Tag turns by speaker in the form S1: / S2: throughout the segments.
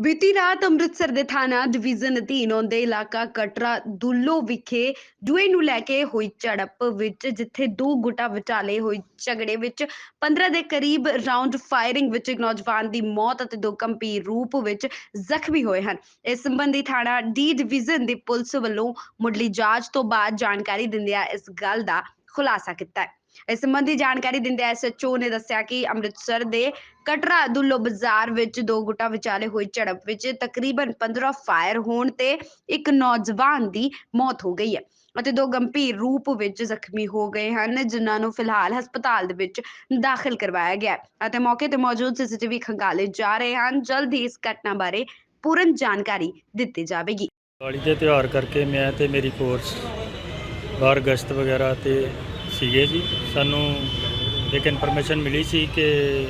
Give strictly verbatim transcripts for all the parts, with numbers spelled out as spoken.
S1: ਬੀਤੀ ਰਾਤ ਅੰਮ੍ਰਿਤਸਰ ਦੇ ਥਾਣਾ ਡਿਵੀਜ਼ਨ ਅਧੀਨ ਆਉਂਦੇ ਇਲਾਕਾ ਕਟਰਾ ਦੁੱਲੋ ਵਿਖੇ ਜੂਏ ਨੂੰ ਲੈ ਕੇ ਹੋਈ ਝੜਪ ਵਿੱਚ ਜਿੱਥੇ ਦੋ ਗੁੱਟਾਂ ਵਿਚਾਲੇ ਹੋਈ ਝਗੜੇ ਵਿੱਚ ਪੰਦਰਾਂ ਦੇ ਕਰੀਬ ਰਾਉਂਡ ਫਾਇਰਿੰਗ ਵਿੱਚ ਇੱਕ ਨੌਜਵਾਨ ਦੀ ਮੌਤ ਅਤੇ ਦੋ ਗੰਭੀਰ ਰੂਪ ਵਿੱਚ ਜ਼ਖਮੀ ਹੋਏ ਹਨ। ਇਸ ਸੰਬੰਧੀ ਥਾਣਾ ਡੀ ਡਿਵੀਜ਼ਨ ਦੀ ਪੁਲਿਸ ਵੱਲੋਂ ਮੁੱਢਲੀ ਜਾਂਚ ਤੋਂ ਬਾਅਦ ਜਾਣਕਾਰੀ ਦਿੰਦਿਆਂ ਇਸ ਗੱਲ ਦਾ ਖੁਲਾਸਾ ਕੀਤਾ ਹੈ। ਇਸ ਸੰਬੰਧੀ ਜਾਣਕਾਰੀ ਦਿੰਦਿਆਂ ਐਸ ਐਚ ਓ ਨੇ ਦੱਸਿਆ ਕਿ ਅੰਮ੍ਰਿਤਸਰ ਦੇ ਕਟਰਾ ਦੁੱਲੋ ਬਾਜ਼ਾਰ ਵਿੱਚ ਦੋ ਗੁੱਟਾਂ ਵਿਚਾਲੇ ਹੋਈ ਝੜਪ ਵਿੱਚ ਤਕਰੀਬਨ ਪੰਦਰਾਂ ਫਾਇਰ ਹੋਣ ਤੇ ਇੱਕ ਨੌਜਵਾਨ ਦੀ ਮੌਤ ਹੋ ਗਈ ਹੈ ਅਤੇ ਦੋ ਗੰਭੀਰ ਰੂਪ ਵਿੱਚ ਜ਼ਖਮੀ ਹੋ ਗਏ ਹਨ, ਜਿਨ੍ਹਾਂ ਨੂੰ ਫਿਲਹਾਲ ਹਸਪਤਾਲ ਦੇ ਵਿੱਚ ਦਾਖਲ ਕਰਵਾਇਆ ਗਿਆ ਹੈ ਅਤੇ ਮੌਕੇ ਤੇ ਮੌਜੂਦ ਸੀਸੀਟੀਵੀ ਖੰਗਾਲੇ ਜਾ ਰਹੇ ਹਨ। ਜਲਦ ਹੀ ਇਸ ਘਟਨਾ ਬਾਰੇ ਪੂਰਨ ਜਾਣਕਾਰੀ ਦਿੱਤੀ ਜਾਵੇਗੀ।
S2: ਦੀਵਾਲੀ ਦੇ ਤਿਉਹਾਰ ਕਰਕੇ ਮੈਂ ਤੇ ਮੇਰੀ ਫੋਰਸ ਬਾਹਰ ਗਸ਼ਤ ਵਗੈਰਾ ਤੇ ਸੀਗੇ ਜੀ। ਸਾਨੂੰ ਇੱਕ ਇਨਫੋਰਮੇਸ਼ਨ ਮਿਲੀ ਸੀ ਕਿ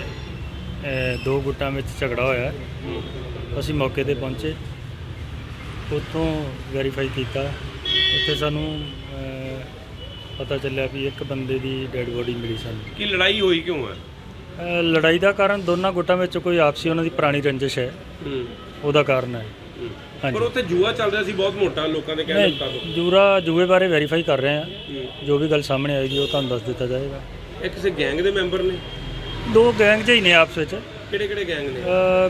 S2: ਅ, ਦੋ ਗੁੱਟਾਂ ਵਿੱਚ ਝਗੜਾ ਹੋਇਆ। ਅਸੀਂ ਮੌਕੇ ਤੇ ਪਹੁੰਚੇ, ਉੱਥੋਂ ਵੈਰੀਫਾਈ ਕੀਤਾ। ਉੱਥੇ ਸਾਨੂੰ ਅ, ਪਤਾ ਚੱਲਿਆ ਵੀ ਇੱਕ ਬੰਦੇ ਦੀ ਡੈੱਡ ਬੋਡੀ ਮਿਲੀ ਸਾਨੂੰ।
S3: ਕੀ ਲੜਾਈ ਹੋਈ ਕਿਉਂ ਹੈ?
S2: ਅ, ਲੜਾਈ ਦਾ ਕਾਰਨ ਦੋਨਾਂ ਗੁੱਟਾਂ ਵਿੱਚ ਕੋਈ ਆਪਸੀ ਉਹਨਾਂ ਦੀ ਪੁਰਾਣੀ ਰੰਜਿਸ਼ ਹੈ,
S3: ਹੂੰ
S2: ਉਹਦਾ ਕਾਰਨ ਹੈ।
S3: ਹੂੰ।
S2: ਹਾਂਜੀ।
S3: ਪਰ ਉੱਥੇ ਜੂਆ ਚੱਲ ਰਿਹਾ ਸੀ ਬਹੁਤ ਮੋਟਾ, ਲੋਕਾਂ ਦੇ ਕਹਿਣ
S2: ਨਹੀਂ,
S3: ਮੁਤਾਬਕ।
S2: ਜੂਰਾ ਜੂਏ ਬਾਰੇ ਵੈਰੀਫਾਈ ਕਰ ਰਹੇ ਹਾਂ।
S3: ਹੂੰ।
S2: ਜੋ ਵੀ ਗੱਲ ਸਾਹਮਣੇ ਆਏਗੀ ਉਹ ਤੁਹਾਨੂੰ ਦੱਸ ਦਿੱਤਾ ਜਾਏਗਾ।
S3: ਇਹ ਕਿਸੇ ਗੈਂਗ ਦੇ ਮੈਂਬਰ ਨੇ?
S2: ਦੋ ਗੈਂਗ ਜਿਹੀ ਨੇ ਆਪਸ ਵਿੱਚ।
S3: ਕਿਹੜੇ ਕਿਹੜੇ ਗੈਂਗ ਨੇ?
S2: ਅ,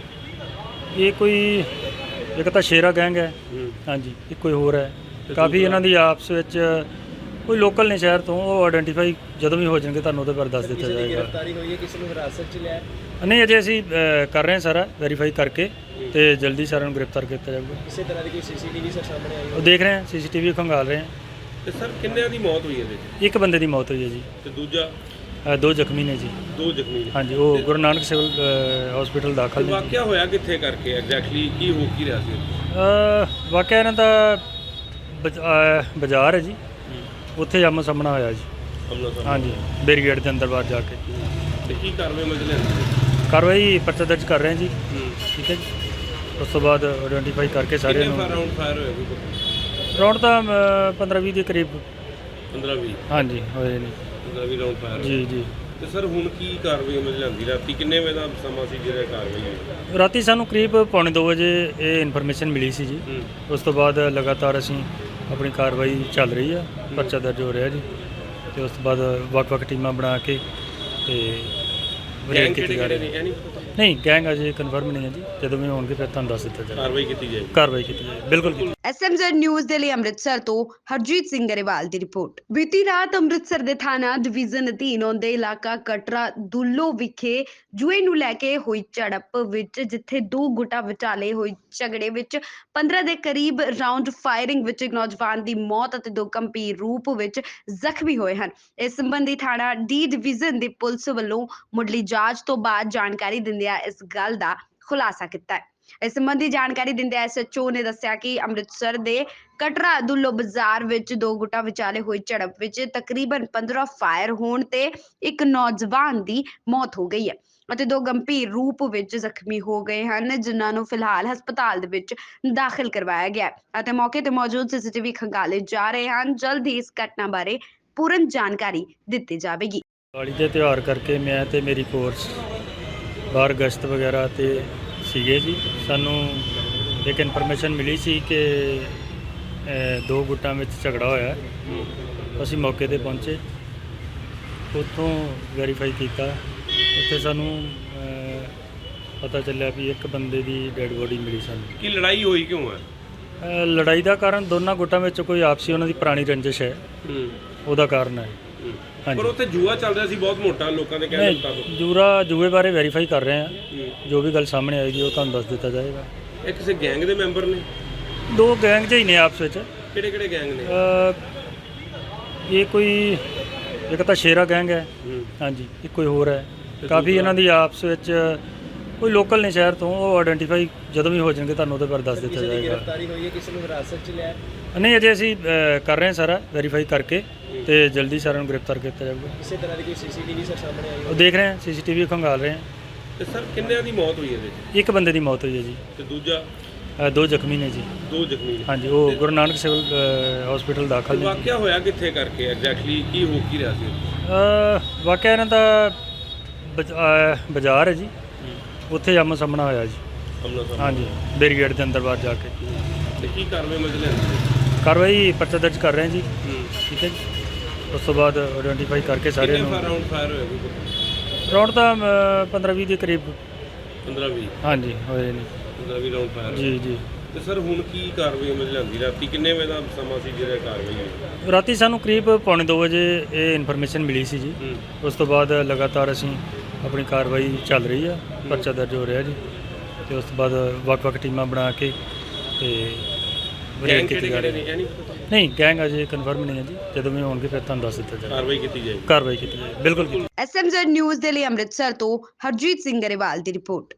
S2: ਇਹ ਕੋਈ ਇੱਕ ਤਾਂ ਸ਼ੇਰਾ ਗੈਂਗ ਹੈ,
S3: ਹੂੰ।
S2: ਹਾਂਜੀ, ਇੱਕ ਕੋਈ ਹੋਰ ਹੈ।
S3: ਤੇ
S2: ਕਾਫੀ
S3: ਦੂਸਰਾ?
S2: ਇਹਨਾਂ ਦੀ ਆਪਸ ਵਿੱਚ ਕੋਈ ਲੋਕਲ ਨੇ ਸ਼ਹਿਰ ਤੋਂ, ਉਹ ਆਇਡੈਂਟੀਫਾਈ ਜਦੋਂ ਵੀ ਹੋ ਜਾਣਗੇ ਤੁਹਾਨੂੰ ਉਹਦੇ ਬਾਰੇ ਦੱਸ ਦਿੱਤਾ ਜਾਏਗਾ।
S4: ਗ੍ਰਿਫਤਾਰੀ ਹੋਈ ਹੈ, ਕਿਸੇ ਨੂੰ ਹਿਰਾਸਤ 'ਚ ਲਿਆ?
S2: ਨਹੀਂ, ਅਜੇ ਅਸੀਂ ਅ, ਕਰ ਰਹੇ ਹਾਂ ਸਾਰਾ ਵੈਰੀਫਾਈ ਕਰਕੇ ਤੇ ਜਲਦੀ ਸਾਰਿਆਂ ਨੂੰ ਗ੍ਰਿਫਤਾਰ ਕੀਤਾ ਜਾਊਗਾ।
S4: ਕਿਸੇ ਤਰ੍ਹਾਂ ਦੀ ਕੋਈ ਸੀਸੀਟੀਵੀ ਸਰ ਸਾਹਮਣੇ ਆਈ
S2: ਉਹ ਦੇਖ ਰਹੇ ਹਾਂ, ਸੀਸੀਟੀਵੀ ਖੰਗਾਲ ਰਹੇ ਹਾਂ।
S3: ਤੇ ਸਰ ਕਿੰਨਿਆਂ ਦੀ ਮੌਤ ਹੋਈ ਇਹਦੇ 'ਚ?
S2: ਇੱਕ ਬੰਦੇ ਦੀ ਮੌਤ ਹੋਈ ਹੈ ਜੀ,
S3: ਤੇ ਦੂਜਾ?
S2: ਅ, ਦੋ ਜ਼ਖਮੀ ਨੇ ਜੀ।
S3: ਦੋ ਜ਼ਖਮੀ ਨੇ।
S2: ਹਾਂਜੀ, ਉਹ ਗੁਰੂ ਨਾਨਕ ਸਿਵਲ ਹਸਪੀਟਲ ਦਾਖਲ
S3: ਤੇ
S2: ਨੇ।
S3: ਵਾਕਿਆ ਹੋਇਆ ਕਿੱਥੇ ਕਰਕੇ ਐਗਜ਼ੈਕਟਲੀ ਕੀ ਹੋ ਕੀ ਰਿਹਾ ਸੀ?
S2: ਅ, ਵਾਕਿਆ ਇਹਨਾਂ ਦਾ ਬਜ- ਅ, ਬਾਜ਼ਾਰ ਹੈ ਜੀ, ਉੱਥੇ ਆਮੋ ਸਾਹਮਣਾ ਹੋਇਆ ਜੀ।
S3: ਅਮਲਾ ਸਾਹਿਬ।
S2: ਹਾਂਜੀ, ਬੈਰੀਗੇਡ ਦੇ ਅੰਦਰ ਬਾਹਰ ਜਾ ਕੇ
S3: ਤੇ ਕੀ ਕਾਰਵਾਈ ਮਤਲਬ ਲੈਂਦੇ?
S2: ਕਾਰਵਾਈ ਪਰਚਾ ਦਰਜ ਕਰ ਰਹੇ ਹਾਂ ਜੀ।
S3: ਹੂੰ।
S2: ਠੀਕ ਹੈ ਜੀ। ਉਸ ਤੋਂ ਬਾਅਦ ਆਇਡੈਂਟੀਫਾਈ ਕਰਕੇ ਸਾਰੇ
S3: ਕਿੰਨੇ
S2: ਨੂੰ
S3: ਫਾਰ ਰਾਉਂਡ ਫਾਇਰ ਹੋਏ ਕੋਈ?
S2: ਰਾਉਂਡ ਤਾਂ ਪੰਦਰਾਂ ਵੀਹ ਦੇ ਕਰੀਬ
S3: ਪੰਦਰਾਂ ਵੀਹ?
S2: ਹਾਂਜੀ ਹੋਏ ਨੇ
S3: ਪੰਦਰਾਂ ਵੀਹ ਰਾਉਂਡ ਫਾਇਰ ਹੋਏ।
S2: ਜੀ ਜੀ।
S3: ਤੇ ਸਰ ਹੁਣ ਕੀ ਕਾਰਵਾਈ ਮਤਲਬ ਲੈਂਦੀ? ਰਾਤੀ ਕਿੰਨੇ ਵਜੇ ਦਾ ਸਮਾਂ ਸੀ ਜਿਹੜਾ ਕਾਰਵਾਈ ਹੋਈ?
S2: ਰਾਤੀ ਸਾਨੂੰ ਕਰੀਬ ਪੌਣੇ ਦੋ ਵਜੇ ਇਹ ਇਨਫੋਰਮੇਸ਼ਨ ਮਿਲੀ ਸੀ ਜੀ।
S3: ਹੂੰ।
S2: ਉਸ ਤੋਂ ਬਾਅਦ ਲਗਾਤਾਰ ਅਸੀਂ ਆਪਣੀ ਕਾਰਵਾਈ ਚੱਲ ਰਹੀ ਆ, ਪਰਚਾ ਦਰਜ ਹੋ ਰਿਹਾ ਜੀ। ਤੇ ਉਸ ਤੋਂ ਬਾਅਦ ਵੱਖ-ਵੱਖ ਟੀਮਾਂ ਬਣਾ ਕੇ ਤੇ ਵਰੇਕ
S3: ਗੈਂਗ
S2: ਕੀਤੀ
S3: ਕਿਹੜੇ
S2: ਜਾ
S3: ਕਿਹੜੇ
S2: ਰਹੀ
S3: ਨੇ
S2: ਹੈ।
S3: ਇਹ ਨਹੀਂ ਪਤਾ?
S2: ਨਹੀਂ, ਗੈਂਗ ਅਜੇ ਕਨਫਰਮ ਨਹੀਂ ਹੈ ਜੀ। ਜਦੋਂ ਵੀ ਹੋਣਗੇ ਫਿਰ ਤੁਹਾਨੂੰ ਦੱਸ ਦਿੱਤਾ ਜਾਏਗਾ।
S3: ਕਾਰਵਾਈ ਕੀਤੀ ਜਾਏਗੀ।
S2: ਕਾਰਵਾਈ ਕੀਤੀ ਜਾਏਗੀ, ਬਿਲਕੁਲ ਕੀਤੀ।
S1: ਐਸ ਐਮ ਜ਼ੈਡ ਨਿਊਜ਼ ਦੇ ਲਈ ਅੰਮ੍ਰਿਤਸਰ ਤੋਂ ਹਰਜੀਤ ਸਿੰਘ ਗਰੇਵਾਲ ਦੀ ਰਿਪੋਰਟ। ਬੀਤੀ ਰਾਤ ਅੰਮ੍ਰਿਤਸਰ ਦੇ ਥਾਣਾ ਡਿਵੀਜ਼ਨ ਅਧੀਨ ਆਉਂਦੇ ਇਲਾਕਾ ਕਟਰਾ ਦੁੱਲੋ ਵਿਖੇ ਜੂਏ ਨੂੰ ਲੈ ਕੇ ਹੋਈ ਝੜਪ ਵਿੱਚ ਜਿੱਥੇ ਦੋ ਗੁੱਟਾਂ ਵਿਚਾਲੇ ਹੋਈ ਝਗੜੇ ਵਿੱਚ ਪੰਦਰਾਂ ਦੇ ਕਰੀਬ ਰਾਉਂਡ ਫਾਇਰਿੰਗ ਵਿੱਚ ਇੱਕ ਨੌਜਵਾਨ ਦੀ ਮੌਤ ਅਤੇ ਦੋ ਗੰਭੀਰ ਰੂਪ ਵਿੱਚ ਜ਼ਖਮੀ ਹੋਏ ਹਨ। ਇਸ ਸੰਬੰਧੀ ਥਾਣਾ ਡੀ ਡਿਵੀਜ਼ਨ ਦੀ ਪੁਲਿਸ ਵੱਲੋਂ ਮੁੱਢਲੀ ਜਾਂਚ ਤੋਂ ਬਾਅਦ ਜਾਣਕਾਰੀ ਦਿੰਦਿਆਂ ਇਸ ਗੱਲ ਦਾ ਖੁਲਾਸਾ ਕੀਤਾ ਹੈ। ਇਸ ਸੰਬੰਧੀ ਜਾਣਕਾਰੀ ਦਿੰਦਿਆਂ ਐਸ ਐਚ ਓ ਨੇ ਦੱਸਿਆ ਕਿ ਅੰਮ੍ਰਿਤਸਰ ਦੇ ਕਟਰਾ ਦੁੱਲੋ ਬਾਜ਼ਾਰ ਵਿੱਚ ਦੋ ਗੁੱਟਾਂ ਵਿਚਾਲੇ ਹੋਈ ਝੜਪ ਵਿੱਚ ਤਕਰੀਬਨ ਪੰਦਰਾਂ ਫਾਇਰ ਹੋਣ ਤੇ ਇੱਕ ਨੌਜਵਾਨ ਦੀ ਮੌਤ ਹੋ ਗਈ ਹੈ ਅਤੇ ਦੋ ਗੰਭੀਰ ਰੂਪ ਵਿੱਚ ਜ਼ਖਮੀ ਹੋ ਗਏ ਹਨ, ਜਿਨ੍ਹਾਂ ਨੂੰ ਫਿਲਹਾਲ ਹਸਪਤਾਲ ਦੇ ਵਿੱਚ ਦਾਖਲ ਕਰਵਾਇਆ ਗਿਆ ਹੈ ਅਤੇ ਮੌਕੇ ਤੇ ਮੌਜੂਦ ਸੀਸੀਟੀਵੀ ਖੰਗਾਲੇ ਜਾ ਰਹੇ ਹਨ। ਜਲਦ ਹੀ ਇਸ ਘਟਨਾ ਬਾਰੇ ਪੂਰਨ ਜਾਣਕਾਰੀ ਦਿੱਤੀ ਜਾਵੇਗੀ।
S2: ਦੀਵਾਲੀ ਦੇ ਤਿਉਹਾਰ ਕਰਕੇ ਮੈਂ ਤੇ ਮੇਰੀ ਫੋਰਸ ਬਾਹਰ ਗਸ਼ਤ ਵਗੈਰਾ ਤੇ ਸੀਗੇ ਜੀ। ਸਾਨੂੰ ਇੱਕ ਇਨਫੋਰਮੇਸ਼ਨ ਮਿਲੀ ਸੀ ਕਿ ਅ, ਦੋ ਗੁੱਟਾਂ ਵਿੱਚ ਝਗੜਾ ਹੋਇਆ। ਅਸੀਂ ਮੌਕੇ ਤੇ ਪਹੁੰਚੇ, ਉੱਥੋਂ ਵੈਰੀਫਾਈ ਕੀਤਾ। ਉੱਥੇ ਸਾਨੂੰ ਅ, ਪਤਾ ਚੱਲਿਆ ਵੀ ਇੱਕ ਬੰਦੇ ਦੀ ਡੈੱਡ ਬੋਡੀ ਮਿਲੀ ਸਾਨੂੰ।
S3: ਕੀ ਲੜਾਈ ਹੋਈ ਕਿਉਂ ਹੈ?
S2: ਅ, ਲੜਾਈ ਦਾ ਕਾਰਨ ਦੋਨਾਂ ਗੁੱਟਾਂ ਵਿੱਚ ਕੋਈ ਆਪਸੀ ਉਹਨਾਂ ਦੀ ਪੁਰਾਣੀ ਰੰਜਿਸ਼ ਹੈ,
S3: ਹੂੰ।
S2: ਉਹਦਾ ਕਾਰਨ ਹੈ।
S3: ਹੂੰ।
S2: ਹਾਂਜੀ।
S3: ਪਰ ਉੱਥੇ ਜੂਆ ਚੱਲ ਰਿਹਾ ਸੀ ਬਹੁਤ ਮੋਟਾ, ਲੋਕਾਂ ਦੇ ਕਹਿਣ ਮੁਤਾਬਕ।
S2: ਨਹੀਂ, ਜੂਰਾ ਜੂਏ ਬਾਰੇ ਵੈਰੀਫਾਈ ਕਰ ਰਹੇ ਹਾਂ।
S3: ਹੂੰ।
S2: ਜੋ ਵੀ ਗੱਲ ਸਾਹਮਣੇ ਆਏਗੀ ਉਹ ਤੁਹਾਨੂੰ ਦੱਸ ਦਿੱਤਾ ਜਾਏਗਾ।
S3: ਇਹ ਕਿਸੇ ਗੈਂਗ ਦੇ ਮੈਂਬਰ ਨੇ?
S2: ਦੋ ਗੈਂਗ ਜਿਹੀ ਨੇ ਆਪਸ ਵਿੱਚ।
S3: ਕਿਹੜੇ ਕਿਹੜੇ ਗੈਂਗ ਨੇ?
S2: ਅ, ਇਹ ਕੋਈ ਇੱਕ ਤਾਂ ਸ਼ੇਰਾ ਗੈਂਗ ਹੈ,
S3: ਹੂੰ।
S2: ਹਾਂਜੀ, ਇੱਕ ਕੋਈ ਹੋਰ ਹੈ।
S3: ਤੇ
S2: ਕਾਫੀ
S3: ਦੂਸਰਾ?
S2: ਇਹਨਾਂ ਦੀ ਆਪਸ ਵਿੱਚ ਕੋਈ ਲੋਕਲ ਨੇ ਸ਼ਹਿਰ ਤੋਂ, ਉਹ ਆਇਡੈਂਟੀਫਾਈ ਜਦੋਂ ਵੀ ਹੋ ਜਾਣਗੇ ਤੁਹਾਨੂੰ ਉਹਦੇ ਬਾਰੇ ਦੱਸ ਦਿੱਤਾ
S4: ਕਿਸੇ ਦੀ
S2: ਜਾਏਗਾ।
S4: ਗ੍ਰਿਫਤਾਰੀ ਹੋਈ ਹੈ, ਕਿਸੇ ਨੂੰ ਹਿਰਾਸਤ 'ਚ ਲਿਆ?
S2: ਨਹੀਂ, ਅਜੇ ਅਸੀਂ ਅ, ਕਰ ਰਹੇ ਹਾਂ ਸਾਰਾ ਵੈਰੀਫਾਈ ਕਰਕੇ ਤੇ ਜਲਦੀ ਸਾਰਿਆਂ ਨੂੰ ਗ੍ਰਿਫਤਾਰ ਕੀਤਾ ਜਾਊਗਾ।
S4: ਕਿਸੇ ਤਰ੍ਹਾਂ ਦੀ ਕੋਈ ਸੀਸੀਟੀਵੀ ਸਰ ਸਾਹਮਣੇ ਆਈ?
S2: ਉਹ ਦੇਖ ਰਹੇ ਹਾਂ, ਸੀਸੀਟੀਵੀ ਖੰਗਾਲ ਰਹੇ ਹਾਂ।
S3: ਤੇ ਸਰ ਕਿੰਨਿਆਂ ਦੀ ਮੌਤ ਹੋਈ ਇਹਦੇ 'ਚ?
S2: ਇੱਕ ਬੰਦੇ ਦੀ ਮੌਤ ਹੋਈ ਹੈ ਜੀ।
S3: ਤੇ ਦੂਜਾ?
S2: ਅ, ਦੋ ਜ਼ਖਮੀ ਨੇ ਜੀ।
S3: ਦੋ ਜ਼ਖਮੀ ਨੇ।
S2: ਹਾਂਜੀ, ਉਹ ਗੁਰੂ ਨਾਨਕ ਸਿਵਲ ਹਸਪੀਟਲ ਦਾਖਲ ਨੇ।
S3: ਵਾਕਿਆ ਹੋਇਆ ਕਿੱਥੇ ਕਰਕੇ ਐਗਜ਼ੈਕਟਲੀ ਕੀ ਹੋ ਕੀ ਰਿਹਾ ਸੀ?
S2: ਅ, ਵਾਕਿਆ ਇਹਨਾਂ ਦਾ ਬਜ- ਅ, ਬਾਜ਼ਾਰ ਹੈ ਜੀ, ਉੱਥੇ ਆਮੋ ਸਾਹਮਣਾ ਹੋਇਆ ਜੀ।
S3: ਅਮਲਾ ਸਾਹਿਬ
S2: ਹਾਂਜੀ ਬੈਰੀਗੇਡ ਦੇ ਅੰਦਰ ਬਾਹਰ ਜਾ ਕੇ
S3: ਤੇ ਕੀ ਕਾਰਵਾਈ ਅਮਲ 'ਚ ਲਿਆਂਦੀ?
S2: ਕਾਰਵਾਈ ਪਰਚਾ ਦਰਜ ਕਰ ਰਹੇ ਹਾਂ ਜੀ।
S3: ਹੂੰ
S2: ਠੀਕ ਹੈ ਜੀ। ਉਸ ਤੋਂ ਬਾਅਦ ਆਇਡੈਂਟੀਫਾਈ ਕਰਕੇ ਸਾਰਿਆਂ
S3: ਕਿੰਨੇ
S2: ਨੂੰ
S3: ਰਾਉਂਡ ਫਾਇਰ ਹੋਏ ਕੋਈ
S2: ਰੌਂਡ ਤਾਂ ਪੰਦਰਾਂ ਵੀਹ ਦੇ ਕਰੀਬ
S3: ਪੰਦਰਾਂ ਵੀਹ
S2: ਹਾਂਜੀ ਹੋਏ ਨੇ
S3: ਪੰਦਰਾਂ ਵੀਹ ਰਾਉਂਡ ਫਾਇਰ
S2: ਜੀ ਜੀ।
S3: ਤੇ ਸਰ ਹੁਣ ਕੀ ਕਾਰਵਾਈ ਅਮਲ 'ਚ ਲਿਆਂਦੀ? ਰਾਤੀ ਕਿੰਨੇ ਵਜੇ ਦਾ ਸਮਾਂ ਸੀ ਜਿਹੜਾ ਕਾਰਵਾਈ ਹੋਈ?
S2: ਰਾਤੀ ਸਾਨੂੰ ਕਰੀਬ ਪੌਣੇ ਦੋ ਵਜੇ ਇਹ ਇਨਫੋਰਮੇਸ਼ਨ ਮਿਲੀ ਸੀ ਜੀ।
S3: ਹੂੰ
S2: ਉਸ ਤੋਂ ਬਾਅਦ ਲਗਾਤਾਰ ਅਸੀਂ ਆਪਣੀ ਕਾਰਵਾਈ ਚੱਲ ਰਹੀ ਆ, ਪਰਚਾ ਦਰਜ ਹੋ ਰਿਹਾ ਜੀ। ਤੇ ਉਸ ਤੋਂ ਬਾਅਦ ਵੱਖ-ਵੱਖ ਟੀਮਾਂ ਬਣਾ ਕੇ ਤੇ ਰੇਡ
S3: ਗੈਂਗ
S2: ਕੀਤੀ
S3: ਕਿਹੜੇ
S2: ਜਾ
S3: ਕਿਹੜੇ
S2: ਰਹੀ
S3: ਨੇ
S2: ਹੈ।
S3: ਇਹ ਨਹੀਂ ਪਤਾ?
S2: ਨਹੀਂ ਗੈਂਗ ਅਜੇ ਕਨਫਰਮ ਨਹੀਂ ਹੈ ਜੀ, ਜਦੋਂ ਵੀ ਹੋਣਗੇ ਫਿਰ ਤੁਹਾਨੂੰ ਦੱਸ ਦਿੱਤਾ ਜਾਏਗਾ।
S3: ਕਾਰਵਾਈ ਕੀਤੀ ਜਾਏਗੀ।
S2: ਕਾਰਵਾਈ ਕੀਤੀ ਜਾਏਗੀ, ਬਿਲਕੁਲ ਕੀਤੀ
S1: ਐਸ ਐਮ ਜ਼ੈਡ ਨਿਊਜ਼ ਦੇ ਲਈ ਅੰਮ੍ਰਿਤਸਰ ਤੋਂ ਹਰਜੀਤ ਸਿੰਘ ਗਰੇਵਾਲ ਦੀ ਰਿਪੋਰਟ।